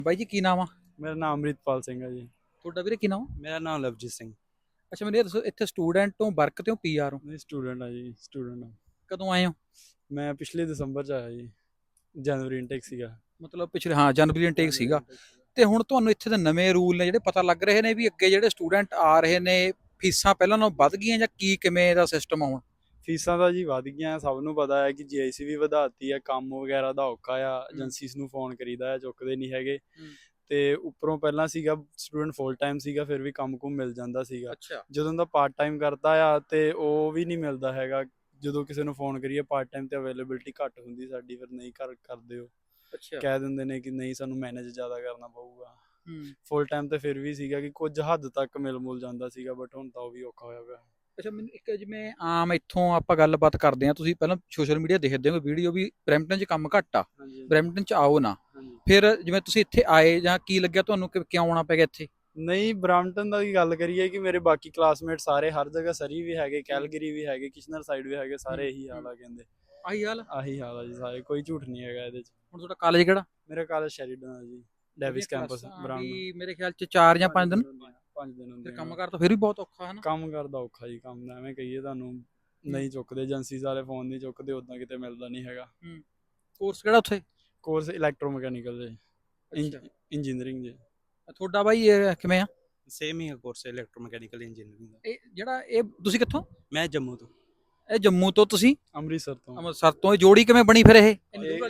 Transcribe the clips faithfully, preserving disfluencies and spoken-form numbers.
ਬਾਈ ਜੀ ਕੀ ਨਾਮ ਆ? ਮੇਰਾ ਨਾਮ ਅੰਮ੍ਰਿਤਪਾਲ ਸਿੰਘ ਹੈ ਜੀ। ਤੁਹਾਡਾ ਵੀਰੇ ਕੀ ਨਾਮ ਆ? ਮੇਰਾ ਨਾਮ ਲਵਜੀਤ ਸਿੰਘ। ਅੱਛਾ ਮੈਨੂੰ ਇਹ ਦੱਸੋ ਇੱਥੇ ਸਟੂਡੈਂਟ ਤੋਂ ਵਰਕ ਤੇ ਹੋ ਪੀਆਰ ਹੋ? ਮੈਂ ਸਟੂਡੈਂਟ ਹਾਂ ਜੀ, ਸਟੂਡੈਂਟ ਹਾਂ। ਕਦੋਂ ਆਏ ਹੋ? ਮੈਂ ਪਿਛਲੇ ਦਸੰਬਰ 'ਚ ਆਇਆ ਜੀ, ਜਨਵਰੀ ਇਨਟੇਕ ਸੀਗਾ। ਮਤਲਬ ਪਿਛਲੇ ਹਾਂ ਜਨਵਰੀ ਇਨਟੇਕ ਸੀਗਾ। ਤੇ ਹੁਣ ਤੁਹਾਨੂੰ ਇੱਥੇ ਦੇ ਨਵੇਂ ਰੂਲ ਨੇ ਜਿਹੜੇ ਪਤਾ ਲੱਗ ਰਹੇ ਨੇ ਵੀ ਅੱਗੇ ਜਿਹੜੇ ਸਟੂਡੈਂਟ ਆ ਰਹੇ ਨੇ ਫੀਸਾਂ ਪਹਿਲਾਂ ਨਾਲੋਂ ਵੱਧ ਗਈਆਂ ਜਾਂ ਕੀ ਕਿਵੇਂ ਦਾ ਸਿਸਟਮ ਆ ਹੁਣ? ਫੀਸਾਂ ਤਾਂ ਜੀ ਵੱਧ ਗਈਆਂ, ਸਭ ਨੂੰ ਪਤਾ ਹੈ ਕਿ ਜੀਆਈਸੀ ਵੀ ਵਧਾਤੀ ਹੈ, ਕੰਮ ਵਗੈਰਾ ਦਾ ਔਖਾ ਆ, ਏਜੰਸੀਜ਼ ਨੂੰ ਫੋਨ ਕਰੀਦਾ ਹੈ, ਚੁੱਕਦੇ ਨਹੀਂ ਹੈਗੇ। ਤੇ ਉੱਪਰੋਂ ਪਹਿਲਾਂ ਸੀਗਾ ਸਟੂਡੈਂਟ ਫੁੱਲ ਟਾਈਮ ਸੀਗਾ, ਫਿਰ ਵੀ ਕੰਮ ਕੁਮ ਮਿਲ ਜਾਂਦਾ ਸੀਗਾ। ਜਦੋਂ ਦਾ ਪਾਰਟ ਟਾਈਮ ਕਰਦਾ ਆ ਤੇ ਉਹ ਵੀ ਨਹੀਂ ਮਿਲਦਾ ਹੈਗਾ। ਜਦੋਂ ਕਿਸੇ ਨੂੰ ਫੋਨ ਕਰੀਏ ਪਾਰਟ ਟਾਈਮ ਤੇ ਅਵੇਲੇਬਿਲਿਟੀ ਘੱਟ ਹੁੰਦੀ ਸਾਡੀ, ਫਿਰ ਨਹੀਂ ਕਰ ਕਰਦੇ ਹੋ, ਕਹਿ ਦਿੰਦੇ ਨੇ ਕਿ ਨਹੀਂ ਸਾਨੂੰ ਮੈਨੇਜ ਜ਼ਿਆਦਾ ਕਰਨਾ ਪਊਗਾ। ਫੁੱਲ ਟਾਈਮ ਤੇ ਫਿਰ ਵੀ ਸੀਗਾ ਕਿ ਕੁਝ ਹੱਦ ਤੱਕ ਮਿਲ ਮੁਲ ਜਾਂਦਾ ਸੀਗਾ, ਬਟ ਹੁਣ ਤਾਂ ਉਹ ਵੀ ਔਖਾ ਹੋਇਆ ਪਿਆ। ਅੱਛਾ ਮੈਨੂੰ ਇੱਕ ਜਿਵੇਂ ਆਮ ਇੱਥੋਂ ਆਪਾਂ ਗੱਲਬਾਤ ਕਰਦੇ ਹਾਂ, ਤੁਸੀਂ ਪਹਿਲਾਂ ਸੋਸ਼ਲ ਮੀਡੀਆ ਦੇਖਦੇ ਹੋ ਵੀਡੀਓ ਵੀ ਬਰੈਂਪਟਨ 'ਚ ਕੰਮ ਘੱਟ ਆ, ਬਰੈਂਪਟਨ 'ਚ ਆਓ ਨਾ। ਫਿਰ ਜਿਵੇਂ ਤੁਸੀਂ ਇੱਥੇ ਆਏ ਜਾਂ ਕੀ ਲੱਗਿਆ ਤੁਹਾਨੂੰ ਕਿ ਕਿਉਂ ਆਉਣਾ ਪੈ ਗਿਆ ਇੱਥੇ? ਨਹੀਂ ਬਰੈਂਪਟਨ ਦਾ ਕੀ ਗੱਲ ਕਰੀਏ ਕਿ ਮੇਰੇ ਬਾਕੀ ਕਲਾਸਮੇਟ ਸਾਰੇ ਹਰ ਜਗ੍ਹਾ, ਸਰੀ ਵੀ ਹੈਗੇ, ਕੈਲਗਰੀ ਵੀ ਹੈਗੇ, ਕਿਸ਼ਨਰ ਸਾਈਡ ਵੀ ਹੈਗੇ, ਸਾਰੇ ਇਹੀ ਹਾਲ ਆ ਕਹਿੰਦੇ। ਆਹੀ ਹਾਲ ਆਹੀ ਹਾਲ ਆ ਜੀ ਸਾਰੇ, ਕੋਈ ਝੂਠ ਨਹੀਂ ਹੈਗਾ ਇਹਦੇ 'ਚ। ਹੁਣ ਤੁਹਾਡਾ ਕਾਲਜ ਕਿਹੜਾ? ਮੇਰਾ ਕਾਲਜ ਸ਼ੈਰੀਡਨ ਆ ਜੀ, ਡੇਵਿਸ ਕੈਂਪਸ ਬਰਾਊਨ। ਮੇਰੇ ਖਿਆਲ 'ਚ ਚਾਰ ਜਾਂ ਪੰਜ ਦਿਨ ਪੰਜ ਦਿਨ ਹੁੰਦੇ। ਕੰਮ ਕਰ ਤਾਂ ਫਿਰ ਵੀ ਬਹੁਤ ਔਖਾ ਹੈ ਨਾ? ਕੰਮ ਕਰਦਾ ਔਖਾ ਜੀ, ਕੰਮ ਐਵੇਂ ਕਹੀਏ ਤੁਹਾਨੂੰ ਨਹੀਂ ਚੁੱਕਦੇ, ਏਜੰਸੀਜ਼ ਵਾਲੇ ਫੋਨ ਨਹੀਂ ਚੁੱਕਦੇ, ਉਦਾਂ ਕਿਤੇ ਮਿਲਦਾ ਨਹੀਂ ਹੈਗਾ। ਕੋਰਸ ਕਿਹੜਾ ਉੱਥੇ? ਕੋਰਸ ਇਲੈਕਟ੍ਰੋਮੈਕੈਨੀਕਲ ਜੀ, ਇੰਜੀਨੀਅਰਿੰਗ ਜੀ। ਤੁਹਾਡਾ ਬਾਈ ਇਹ ਕਿਵੇਂ ਆ? ਸੇਮ ਹੀ ਹੈ ਕੋਰਸ, ਇਲੈਕਟ੍ਰੋਮੈਕੈਨੀਕਲ ਇੰਜੀਨੀਅਰਿੰਗ ਦਾ। ਇਹ ਜਿਹੜਾ ਇਹ ਤੁਸੀਂ ਕਿੱਥੋਂ? ਮੈਂ ਜੰਮੂ ਤੋਂ। ਇਹ ਜੰਮੂ ਤੋਂ, ਤੁਸੀਂ ਅੰਮ੍ਰਿਤਸਰ ਤੋਂ। ਅੰਮ੍ਰਿਤਸਰ ਤੋਂ। ਇਹ ਜੋੜੀ ਕਿਵੇਂ ਬਣੀ ਫਿਰ? ਇਹ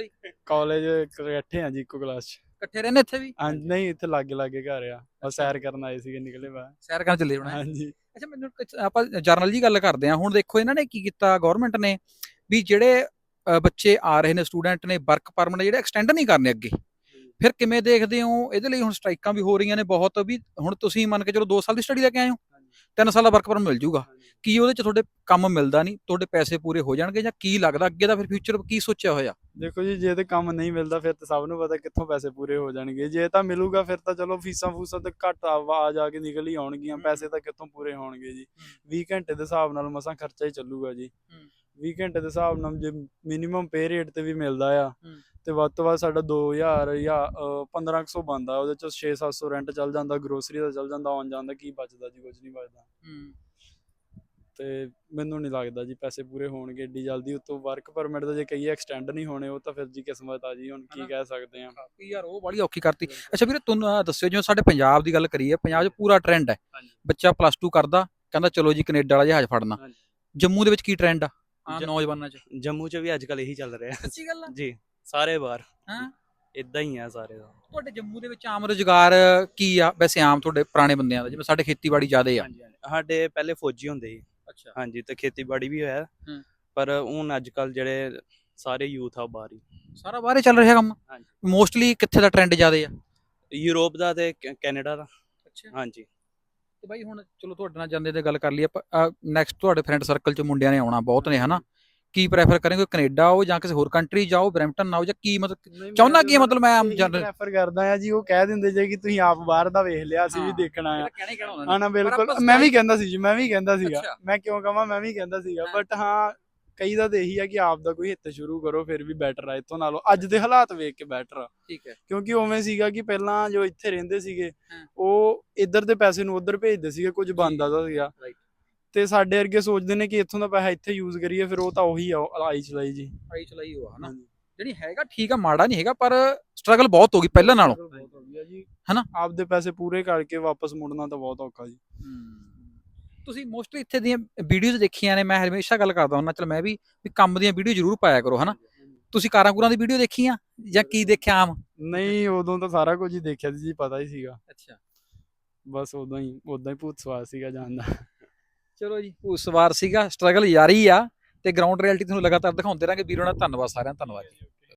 ਕਾਲਜ ਇਕੱਠੇ ਆ ਜੀ, ਇੱਕੋ ਕਲਾਸ 'ਚ। ਇਕੱਠੇ ਰਹਿੰਦੇ ਇੱਥੇ ਵੀ? ਹਾਂਜੀ ਨਹੀਂ, ਇੱਥੇ ਲਾਗੇ ਲਾਗੇ ਘਰ ਆ, ਬਸ ਸੈਰ ਕਰਨ ਆਏ ਸੀਗੇ, ਨਿਕਲੇ ਬਾਹਰ ਸੈਰ ਕਰਨ ਚੱਲੇ ਹੋਣਾ। ਹਾਂਜੀ। ਅੱਛਾ ਮੈਨੂੰ ਆਪਾਂ ਜਰਨਲ ਜੀ ਗੱਲ ਕਰਦੇ ਹਾਂ। ਹੁਣ ਦੇਖੋ ਇਹਨਾਂ ਨੇ ਕੀ ਕੀਤਾ ਗਵਰਨਮੈਂਟ ਨੇ ਵੀ ਜਿਹੜੇ ਬੱਚੇ ਆ ਰਹੇ ਨੇ ਸਟੂਡੈਂਟ ਨੇ ਵਰਕ ਪਰਮਿਟ ਜਿਹੜੇ ਐਕਸਟੈਂਡ ਨਹੀਂ ਕਰਨੇ ਅੱਗੇ। ਫਿਰ ਕਿਵੇਂ ਦੇਖਦੇ ਹੋ ਇਹਦੇ ਲਈ? ਹੁਣ ਸਟ੍ਰਾਈਕਾਂ ਵੀ ਹੋ ਰਹੀਆਂ ਨੇ ਬਹੁਤ, ਵੀ ਹੁਣ ਤੁਸੀਂ ਮੰਨ ਕੇ ਚਲੋ ਦੋ ਸਾਲ ਦੀ ਸਟੱਡੀ ਲੈ ਕੇ ਆਏ ਹੋ, ਤਿੰਨ ਸਾਲ ਦਾ ਵਰਕ ਪਰਮਿਟ ਮਿਲ ਜੂਗਾ, ਕੀ ਉਹਦੇ 'ਚ ਤੁਹਾਡੇ ਕੰਮ ਮਿਲਦਾ ਨਹੀਂ, ਤੁਹਾਡੇ ਪੈਸੇ ਪੂਰੇ ਹੋ ਜਾਣਗੇ ਜਾਂ ਕੀ ਲੱਗਦਾ ਅੱਗੇ ਦਾ ਫਿਰ ਫਿਊਚਰ ਕੀ ਸੋਚਿਆ ਹੋਇਆ? ਦੇਖੋ ਜੀ, ਜੇ ਤੇ ਕੰਮ ਨਹੀਂ ਮਿਲਦਾ ਫਿਰ ਤਾਂ ਸਭ ਨੂੰ ਪਤਾ ਕਿੱਥੋਂ ਪੈਸੇ ਪੂਰੇ ਹੋ ਜਾਣਗੇ। ਜੇ ਤਾਂ ਮਿਲੂਗਾ ਫਿਰ ਤਾਂ ਚਲੋ ਫੀਸਾਂ ਫੂਸਾਂ ਤੇ ਘੱਟ ਆ ਜਾ ਕੇ ਨਿਕਲ ਹੀ ਆਉਣਗੀਆਂ, ਪੈਸੇ ਤਾਂ ਕਿੱਥੋਂ ਪੂਰੇ ਹੋਣਗੇ ਜੀ। ਵੀਹ ਘੰਟੇ ਦੇ ਹਿਸਾਬ ਨਾਲ ਮਸਾਂ ਖਰਚਾ ਹੀ ਚੱਲੂਗਾ ਜੀ। ਵੀਹ ਘੰਟੇ ਦੇ ਹਿਸਾਬ ਨਾਲ ਜੇ ਮਿਨੀਮਮ ਪੇ ਰੇਟ ਤੇ ਵੀ ਮਿਲਦਾ ਆ ਤੇ ਵੱਧ ਤੋਂ ਵੱਧ ਸਾਡਾ ਦੋ ਹਜ਼ਾਰ ਜਾਂ ਪੰਦਰਾਂ ਕੁ ਸੌ ਬਣਦਾ, ਉਹਦੇ ਚ ਛੇ ਸੱਤ ਸੌ ਰੈਂਟ ਚੱਲ ਜਾਂਦਾ, ਗਰੋਸਰੀ ਦਾ ਚੱਲ ਜਾਂਦਾ, ਆਉਣ ਜਾਣ ਦਾ ਕੀ ਬਚਦਾ ਜੀ? ਕੁਝ ਨਹੀਂ ਬਚਦਾ। ਤੇ ਮੈਨੂੰ ਨਹੀਂ ਲੱਗਦਾ ਜੀ ਪੈਸੇ ਪੂਰੇ ਹੋਣਗੇ ਏਡੀ ਜਲਦੀ। ਉੱਤੋਂ ਵਰਕ ਪਰਮਿਟ ਦਾ ਜੇ ਕਹੀਏ ਐਕਸਟੈਂਡ ਨਹੀਂ ਹੋਣੇ, ਉਹ ਤਾਂ ਫਿਰ ਜੀ ਕਿਸਮਤ ਆ ਜੀ, ਹੁਣ ਕੀ ਕਹਿ ਸਕਦੇ ਆ ਯਾਰ, ਉਹ ਬੜੀ ਔਖੀ ਕਰਤੀ। ਅੱਛਾ ਵੀਰੇ ਤੁਹਾਨੂੰ ਦੱਸਿਓ, ਜਿਵੇਂ ਸਾਡੇ ਪੰਜਾਬ ਦੀ ਗੱਲ ਕਰੀਏ, ਪੰਜਾਬ 'ਚ ਪੂਰਾ ਟ੍ਰੈਂਡ ਹੈ, ਬੱਚਾ ਪਲੱਸ ਟੂ ਕਰਦਾ ਕਹਿੰਦਾ ਚਲੋ ਜੀ ਕੈਨੇਡਾ ਵਾਲਾ ਜਹਾਜ਼ ਫੜਨਾ। ਜੰਮੂ ਦੇ ਵਿੱਚ ਕੀ ਟ੍ਰੈਂਡ ਆ ਆਮ ਨੌਜਵਾਨਾਂ 'ਚ? ਜੰਮੂ 'ਚ ਵੀ ਅੱਜ ਕੱਲ ਇਹੀ ਚੱਲ ਰਿਹਾ। ਸੱਚੀ ਗੱਲ ਆ ਜੀ, ਸਾਰੇ ਬਾਹਰ ਹਾਂ ਇਦਾਂ ਹੀ ਆ ਸਾਰੇ ਦਾ। ਤੁਹਾਡੇ ਜੰਮੂ ਦੇ ਵਿੱਚ ਆਮ ਰੁਜ਼ਗਾਰ ਕੀ ਆ ਵੈਸੇ, ਆਮ ਤੁਹਾਡੇ ਪੁਰਾਣੇ ਬੰਦਿਆਂ ਦਾ? ਜਿਵੇਂ ਸਾਡੇ ਖੇਤੀਬਾੜੀ ਜ਼ਿਆਦਾ ਆ। ਸਾਡੇ ਪਹਿਲੇ ਫੌਜੀ ਹੁੰਦੇ ਸੀ। ਅੱਛਾ ਹਾਂਜੀ, ਤੇ ਖੇਤੀਬਾੜੀ ਵੀ ਹੋਇਆ, ਪਰ ਹੁਣ ਅੱਜ ਕੱਲ ਜਿਹੜੇ ਸਾਰੇ ਯੂਥ ਆ ਬਾਹਰ ਹੀ, ਸਾਰਾ ਬਾਹਰ ਹੀ ਚੱਲ ਰਿਹਾ ਕੰਮ। ਮੋਸਟਲੀ ਕਿੱਥੇ ਦਾ ਟ੍ਰੈਂਡ ਜ਼ਿਆਦਾ ਆ? ਯੂਰਪ ਦਾ ਤੇ ਕੈਨੇਡਾ ਦਾ। ਅੱਛਾ ਹਾਂਜੀ। ਤੇ ਬਾਈ ਹੁਣ ਚਲੋ ਤੁਹਾਡੇ ਨਾਲ ਜਾਂਦੇ ਤੇ ਗੱਲ ਕਰ ਲਈ ਆਪਾਂ, ਨੈਕਸਟ ਤੁਹਾਡੇ ਫਰੈਂਡ ਸਰਕਲ 'ਚ ਮੁੰਡਿਆਂ ਨੇ ਆਉਣਾ ਬਹੁਤ ਨੇ ਹਨਾ, ਕੀ ਪ੍ਰੈਫਰ ਕਰਨਗੇ? ਕੈਨੇਡਾ ਆਓ ਜਾਂ ਕਿਸੇ ਹੋਰ ਕੰਟਰੀ ਜਾਓ, ਬਰੈਂਪਟਨ ਆਓ, ਜਾਂ ਕੀ ਮਤਲਬ ਚਾਹੁੰਦਾ ਕੀ ਮਤਲਬ? ਮੈਂ ਆਮ ਜਨਰਲ ਪ੍ਰੈਫਰ ਕਰਦਾ ਆ ਜੀ। ਉਹ ਕਹਿ ਦਿੰਦੇ ਜੇ ਕਿ ਤੁਸੀਂ ਆਪ ਬਾਹਰ ਦਾ ਵੇਖ ਲਿਆ, ਅਸੀਂ ਵੀ ਦੇਖਣਾ ਆ। ਹਾਂ ਨਾ, ਬਿਲਕੁਲ। ਮੈਂ ਵੀ ਕਹਿੰਦਾ ਸੀ ਜੀ, ਮੈਂ ਵੀ ਕਹਿੰਦਾ ਸੀਗਾ, ਮੈਂ ਕਿਉਂ ਕਹਾਂ, ਮੈਂ ਵੀ ਕਹਿੰਦਾ ਸੀਗਾ। ਬਟ ਹਾਂ, ਕਈ ਦਾ ਤਾਂ ਇਹੀ ਆ ਕਿ ਆਪ ਦਾ ਕੋਈ ਹਿੱਤ ਸ਼ੁਰੂ ਕਰੋ, ਫਿਰ ਵੀ ਬੈਟਰ ਆ ਇੱਥੋਂ ਨਾਲੋਂ। ਅੱਜ ਦੇ ਹਾਲਾਤ ਵੇਖ ਕੇ ਬੈਟਰ ਆ, ਠੀਕ ਹੈ। ਕਿਉਂਕਿ ਉਵੇਂ ਸੀਗਾ ਕਿ ਪਹਿਲਾਂ ਜੋ ਇੱਥੇ ਰਹਿੰਦੇ ਸੀਗੇ ਉਹ ਇੱਧਰ ਦੇ ਪੈਸੇ ਨੂੰ ਉੱਧਰ ਭੇਜਦੇ ਸੀਗੇ, ਕੁਝ ਬਣਦਾ ਤਾਂ ਸੀਗਾ। ਤੇ ਸਾਡੇ ਵਰਗੇ ਸੋਚਦੇ ਨੇ ਕਿ ਇੱਥੋਂ ਦਾ ਪੈਸਾ ਇੱਥੇ ਯੂਜ਼ ਕਰੀਏ, ਫਿਰ ਉਹ ਤਾਂ ਉਹੀ ਆ, ਆਈ ਚਲਾਈ ਜੀ, ਆਈ ਚਲਾਈ ਹੋਆ ਹਨਾ। ਜਿਹੜੀ ਹੈਗਾ ਠੀਕ ਆ, ਮਾੜਾ ਨਹੀਂ ਹੈਗਾ, ਪਰ ਸਟਰਗਲ ਬਹੁਤ ਹੋ ਗਈ ਪਹਿਲਾਂ ਨਾਲੋਂ ਹਨਾ। ਆਪਦੇ ਪੈਸੇ ਪੂਰੇ ਕਰਕੇ ਵਾਪਸ ਮੁੜਨਾ ਤਾਂ ਬਹੁਤ ਔਖਾ ਜੀ। ਤੁਸੀਂ ਮੋਸਟਲੀ ਇੱਥੇ ਦੀਆਂ ਵੀਡੀਓਜ਼ ਦੇਖੀਆਂ ਨੇ, ਮੈਂ ਹਮੇਸ਼ਾ ਗੱਲ ਕਰਦਾ ਹੁੰਦਾ, ਚਲ ਮੈਂ ਵੀ ਕੰਮ ਦੀਆਂ ਵੀਡੀਓ ਜ਼ਰੂਰ ਪਾਇਆ ਕਰੋ ਹਨਾ। ਤੁਸੀਂ ਕਾਰਾਂ ਕੂਰਾਂ ਦੀ ਵੀਡੀਓ ਦੇਖੀਆਂ ਜਾਂ ਕੀ ਦੇਖਿਆ ਆਮ? ਨਹੀਂ, ਉਦੋਂ ਤਾਂ ਸਾਰਾ ਕੁਝ ਹੀ ਦੇਖਿਆ ਸੀ ਜੀ, ਪਤਾ ਹੀ ਸੀਗਾ। ਅੱਛਾ, ਬਸ ਉਦੋਂ ਹੀ ਉਦਾਂ ਹੀ ਭੂਤ ਸਵਾਰ ਸੀਗਾ ਜਾਣ ਦਾ। ਚਲੋ ਜੀ, ਭੂਤ ਸਵਾਰ ਸੀਗਾ, ਸਟਰਗਲ ਜਾਰੀ ਆ ਤੇ ਗਰਾਊਂਡ ਰਿਐਲਿਟੀ ਤੁਹਾਨੂੰ ਲਗਾਤਾਰ ਦਿਖਾਉਂਦੇ ਰਹਾਂਗੇ। ਵੀਰੋ ਨਾਲ ਧੰਨਵਾਦ, ਸਾਰਿਆਂ ਦਾ ਧੰਨਵਾਦ।